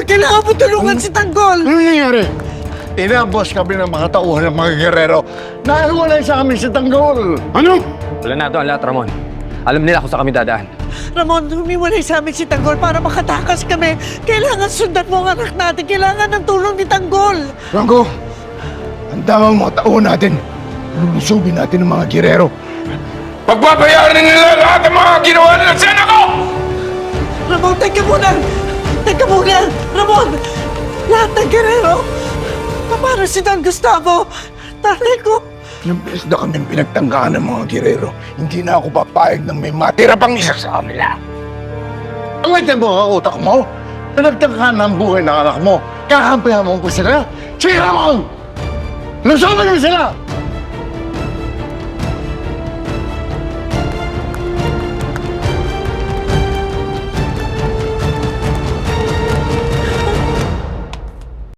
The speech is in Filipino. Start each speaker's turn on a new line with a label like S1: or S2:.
S1: kailangan mo tulungan si Tanggol!
S2: Ano nangyayari? Inabos kami ng mga tauhan ng mga gerero. Nahiwalay sa amin si Tanggol. Ano?
S3: Planado ang lahat, Ramon. Alam nila kung saan kami dadaan.
S1: Ramon, humiwalay sa amin si Tanggol para makatakas kami. Kailangan sundan mo ang anak natin. Kailangan ng tulong ni Tanggol.
S2: Franco, ang damang mga tauhan natin. Lulusubin natin ng mga gerero.
S4: Pagbabayaran nila lahat ng mga ginawa nila sa anak ko!
S1: Ramon, teka muna! Teka muna! Ramon! Lahat ng gerero! Paano si Don Gustavo? Tatay ko!
S2: Ilang beses na kami pinagtanggaan ng mga gerero. Hindi na ako papayag ng may matira pang isa sa kanila. Angitin mo ang utak mo? Pinagtanggaan ng buhay ng anak mo. Kakampihan mo ko sila? Sige, Ramon! Lusobin mo sila!